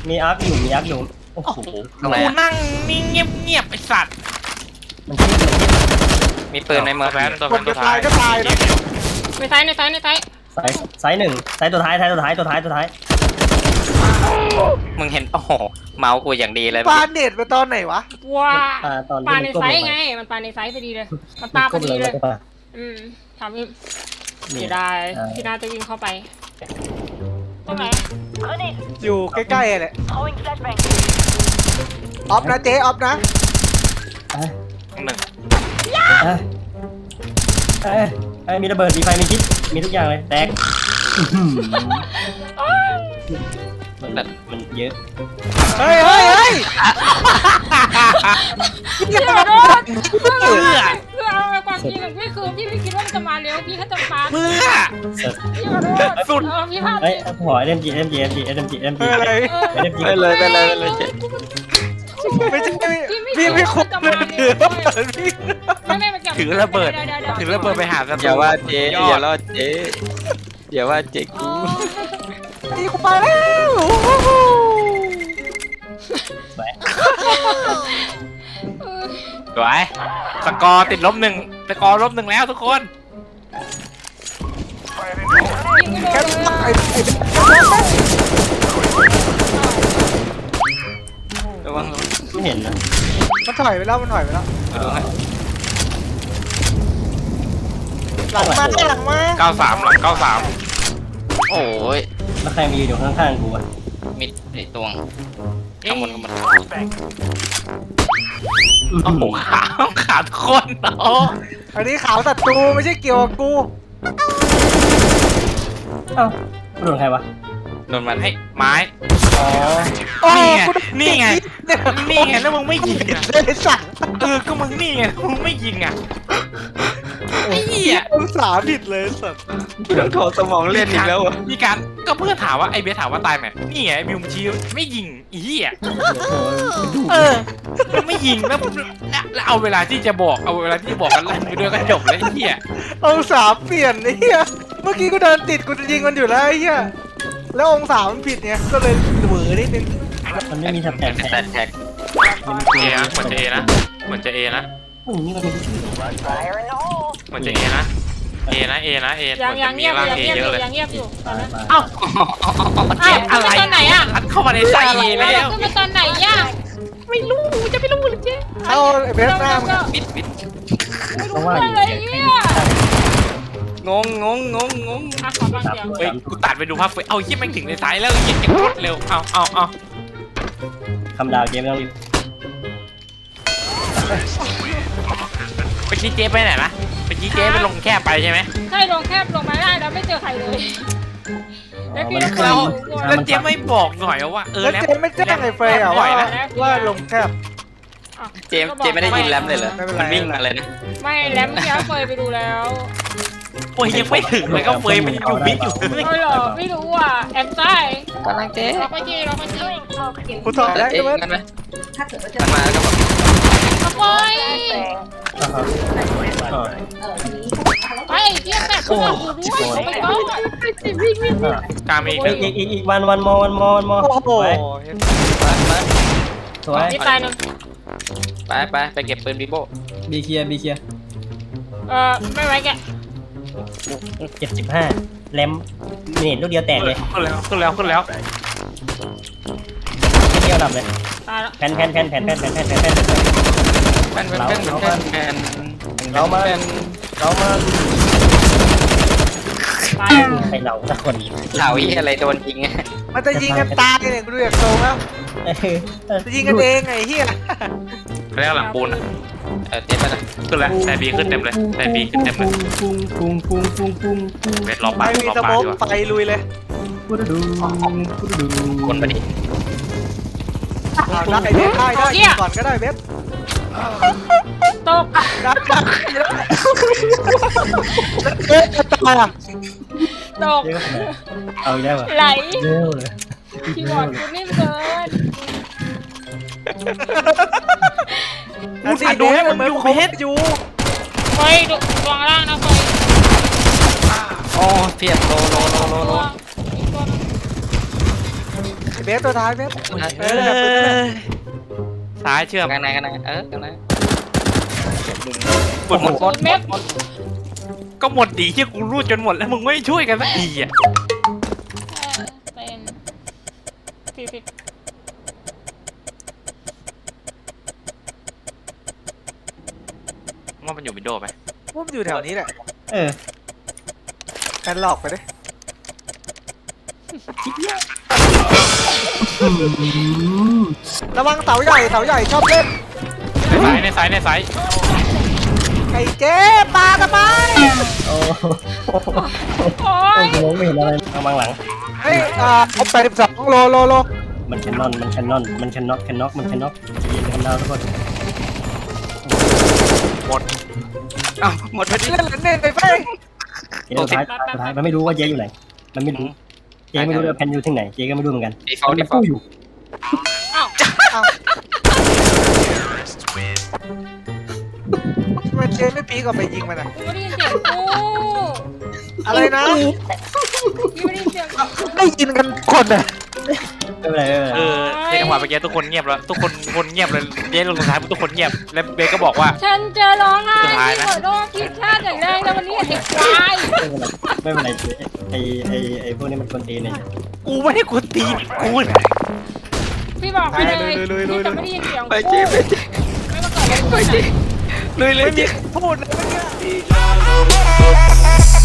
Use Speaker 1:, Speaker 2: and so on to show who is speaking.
Speaker 1: มีอาร์คอยู่โอ้โห
Speaker 2: ตรงไหน
Speaker 3: กู
Speaker 2: อะ
Speaker 3: นั่งนิ่งเงียบไอสัตว์
Speaker 1: มันคิด
Speaker 2: มีปืนในมือ
Speaker 3: แฟนตัว
Speaker 4: คนจะตายก็ตายนะ
Speaker 5: ในซ้าย
Speaker 1: สายหนึ่งสายตัวท้าย
Speaker 2: มึงเห็นโอ้โหเมาส์กูอย่างดีเลย
Speaker 4: ปาเน็ตไปตอนไหนวะ
Speaker 5: ว้า
Speaker 1: ตอน
Speaker 5: ปลาใน
Speaker 1: ก้ม
Speaker 5: ไซ
Speaker 1: ล
Speaker 5: ส์
Speaker 1: ง
Speaker 5: ไง
Speaker 1: ไป
Speaker 5: มันปลาในไซส์พอดีเลยมันปลาพอดีเลย
Speaker 1: ก้มงไป
Speaker 5: ทำให้เสียดายพี่นาจะวิ่งเข้าไปตรงไหน
Speaker 4: อยู่ใกล้ๆเลยออฟนะเจ๊ออฟนะ
Speaker 3: หนึ่ง
Speaker 1: มีระเบิดมีไฟมีคิดมีทุกอย่างเลยแตกมันเยอะ
Speaker 4: เฮ้ย
Speaker 5: พี่ขอโทษเพื่อเอาไปความจริงพี่คือพี่ไม่คิดว่ามันจะมาเร็วพี่แค่จะปา
Speaker 3: เมื่อ
Speaker 5: พี่ขอโทษสุดพี่พลาด
Speaker 1: เฮ้ยขอ SMG
Speaker 4: เฮ้ย
Speaker 2: ไปเลยเจ๊
Speaker 4: ไม่ใช่พี่ไม่คุกเลยถือว่าเปิดพี่
Speaker 3: ถือระเบิดไปหาศัตรู
Speaker 2: อย่าว่าเจ๊อย่าว่าเจ๊อย่าว่าเจ๊กู
Speaker 4: ตีกูไปแล้ว
Speaker 3: สวยสกอร์ติด1สกอร์-1แล้วทุกคน
Speaker 4: แค่ตาย
Speaker 2: ระวัง
Speaker 1: ไม่เห็นนะ
Speaker 4: มันถอยไปแล้วหลังมาหลังมา
Speaker 3: 93หลัง93
Speaker 2: โอ้ย
Speaker 1: แล้วใครมายืนอยู่ข้างๆกูอ่ะ
Speaker 2: มิดไอ้ตวงข้างบน
Speaker 3: โอ้โหขาดคนโอ้
Speaker 4: อันนี้ขาวศัตรูไม่ใช่เกี่ยวกับกู
Speaker 1: เอ้าโดนใครวะ
Speaker 2: โดนมัน
Speaker 3: ให้ไม้
Speaker 1: อ๋อ
Speaker 3: นี่ไงแล้วมึงไม่ยิงอ่ะ
Speaker 4: เลยสั่ง
Speaker 3: ก็มึงนี่ไงมึงไม่ยิงอ่ะไอ้เหี้ย
Speaker 4: องศาผิดเลยสัตว์
Speaker 2: กูต้องโทรสมองเล่นอีกแล้วอ่ะ
Speaker 3: มีการก็เพื่อนถามว่าไอ้เบสถามว่าตายไหมนี่ไงไอ้บิวมชี้ไม่ยิงอีเหี้ยมันไม่ยิงแล้วเอาเวลาที่จะบอกกันลั่นไปด้วยก็จบแล้วไอ้เหี้ย
Speaker 4: องศาเปลี่ยนไอ้เหี้ยเมื่อกี้กูเดินติดกูจะยิงมันอยู่แล้วไอ้เหี้ยแล้วองศามันผิดเนี่ยก็เลยเหวอนิดนึง
Speaker 1: มันไม่มีแท็บ
Speaker 2: แต่
Speaker 1: แท็บ
Speaker 2: แท็ก
Speaker 3: เอนะเหมือนจะเอนะเหมือนจะเอนะ
Speaker 1: นี่มันเป็นชื่อ
Speaker 3: เหมือนจะเอนะเอนะเหมือน
Speaker 5: ยั
Speaker 3: จะ
Speaker 5: ง
Speaker 3: มี
Speaker 5: เงียบ
Speaker 3: ร่าง
Speaker 5: ยัง
Speaker 3: เอ
Speaker 5: เงียบ
Speaker 3: เยอะเลย
Speaker 5: ยังเงียบอยู่ตอนนั้น
Speaker 3: เอ้า
Speaker 5: อ้าว
Speaker 3: อะไร
Speaker 5: ตอนไหนอ่ะ
Speaker 3: อัดเข้ามาในไส้เอแล้ว
Speaker 5: ขึ้นมาตอนไหนย่ะไม่รู้จะไม่รู้หรือเจ๊
Speaker 4: เอาไอ้เบสหน้ามึง
Speaker 2: มิด
Speaker 1: เพราะว่าอยู่
Speaker 5: อะไรเนี่ย
Speaker 2: งง
Speaker 5: อ่ะขอฟังเสียง
Speaker 3: เฮ้ยกูตัดไปดูภาพเอาเหี้ยแม่งถึงในไซส์แล้วเหี้ยเก็บรถเร็วเอา
Speaker 1: คำดาวเกมไม่ต้องรีบ
Speaker 3: ไปชี้เจ๊ไปไหนนะไปชี้เจ๊ไปลงแคบไปใช่ไหม
Speaker 5: ใช่ลงแคบลงมาได้แล้วไม่เจอใครเลยแล้วพี่
Speaker 3: แล้วเจ๊ไม่บอกหน่อยว่า
Speaker 4: แล้ว
Speaker 3: แล้ว
Speaker 4: เจมไม่แจ้งไอ้เฟย์อะว่าลงแคบ
Speaker 2: เจไม่ได้ยินแรมเลยเหรอมันวิ่งมาเลยนะ
Speaker 5: ไม่แล้วเมื่อกี้เฟยไปดูแล้ว
Speaker 3: โอ้ยยังไม่ถึงเลยก็เฟยมันอยู่มิดอยู่เลย
Speaker 5: เออเหรอไม่รู้อ่ะแอมใต้
Speaker 2: กำลังเจ๊
Speaker 5: ล็อกไปจีล็อกไปจี
Speaker 4: กูถอด
Speaker 2: แล้
Speaker 4: ได้
Speaker 2: วเอ๊ะ
Speaker 4: ใช่ไหม
Speaker 2: กันไหมมันมาแล้วก็แบบ
Speaker 5: ขโมยไปเจี๊ยบแบบกูด้วยไปก่อน
Speaker 3: กลางมีอีกหนึ่ง
Speaker 1: อีกวันมอ
Speaker 4: โอ้โห
Speaker 1: สวย
Speaker 5: นี่ตายหนึ่ง
Speaker 2: ไปเก็บปืนบีโบ
Speaker 1: บีเคลียร์
Speaker 5: ไม่ไหวแก
Speaker 1: 75แรมเน็ตลูกเดียวแตกเลย
Speaker 3: ขึ้นแล้ว
Speaker 1: เดียวดับเลย
Speaker 5: ตายแล้ว
Speaker 1: แผ่น เรามา
Speaker 5: ตาย
Speaker 1: ไปเราสักคน
Speaker 2: ข่าวอีอะไรโดนยิง
Speaker 4: มันจะยิงกันตายเนี่ยกูดูจากโซงแล้วจะยิงกันเองไอ้เหี้ย
Speaker 3: เรียกหลังปูน
Speaker 2: เจ๊ไปนะ
Speaker 3: ขึ้นแล้วแต่บีขึ้นเต็มเลยแต่บีขึ้นเต็มเลยเวทรอปา
Speaker 4: ไม่มีส
Speaker 3: ดี
Speaker 4: โมก
Speaker 3: กว่า
Speaker 4: ไฟลุยเลย
Speaker 2: คนไปดิ
Speaker 4: ได้เบสได้ก่อนก็ได้เบส
Speaker 5: ตก
Speaker 4: ได้เอ๊ะตายอ่ะ
Speaker 5: ตก
Speaker 1: เอาได้ป่ะ
Speaker 5: ไหล
Speaker 1: เร็วเลย
Speaker 5: คีย์บอร์ดคุณนิ่มเกิน
Speaker 3: กูถ่ายดูให้มึงอยู่เพชร
Speaker 4: อยู่
Speaker 5: เฟยดูวางล่างนะเฟย
Speaker 2: โอ้เพียบโล
Speaker 5: อีกตัวนึง
Speaker 4: เบสตัวท้ายเบส
Speaker 3: เออซ้ายเชื่อม
Speaker 2: ข้างในข้างในข้างใน
Speaker 3: หมด
Speaker 5: ศูนย์เม็ด
Speaker 3: ก็หมดดีที่กูรูดจนหมดแล้วมึงไม่ช่วยกันสักทีอ่ะ
Speaker 5: เป็น40
Speaker 3: ว่ามันอยู่วินโดว์ไหม
Speaker 4: ว่ามันอยู่แถวนี้แหละ
Speaker 1: เออ
Speaker 4: แอนหลอกไปดิระวังเสาใหญ่ชอบเล่น
Speaker 3: ในซ้าย
Speaker 4: ไอ้เจ๊ปลากันไป
Speaker 1: โอ้โห
Speaker 5: โอ้ย
Speaker 1: มองไม่เห็นอะไรเอาบางหลัง
Speaker 4: เฮ้ยผม82โล
Speaker 1: มันแคนนอนมันแคนน็อกมันแคนน็อกยิงกันดาวทุกคน
Speaker 3: หมด
Speaker 2: อ้าวหมดพอดี
Speaker 4: เล่นเล่นไปไป
Speaker 1: เจ๊สุดท้ายมันไม่รู้ว่าเจ๊อยู่ไหนมันไม่รู้เจ๊ไม่รู้ว่าแพนอยู่ที่ไหนเจ๊ก็ไม่รู้เหมือนกัน
Speaker 2: ดีฟอลต์
Speaker 1: มันกู้อยู่
Speaker 4: มันเจ๊ไม่ปีกออกไปยิงมันอ่ะ
Speaker 5: กูไม่ได้ยินเสียงกู
Speaker 4: อะไรนะ
Speaker 5: กูไม่ได้ยินเสียงกู
Speaker 4: ได้ยินกันคนอ่ะ
Speaker 1: ไม่เป็นไร
Speaker 3: ในจังหวะเมื่อกี้ทุกคนเงียบแล้วทุกคนเงียบเลยเย้ลงสุดท้ายทุกคนเงียบแล้วเบก็บอกว่า
Speaker 5: ฉันจะร้องไห้
Speaker 3: สุดท้ายนะ
Speaker 5: ขอโทษผิดพลาดอย่างแรงแล้ววันนี้ไอ้ควาย
Speaker 1: ไม่เป็นไรเจ๊ไอ้พวกนี้มันคนตีเนี่ย
Speaker 3: กูไม่ได้กูตีกู
Speaker 5: พี่บอกไปเลยพี่จะไม่ได้ยินเสียง
Speaker 2: ไป
Speaker 5: กู
Speaker 2: เจ๊ไปเจ๊
Speaker 5: ไม่มาก่อนเลย
Speaker 2: ไปเจ๊ลุยเลย
Speaker 4: ไม่มี
Speaker 2: เจ๊
Speaker 4: พูดเลยเมื่อกี้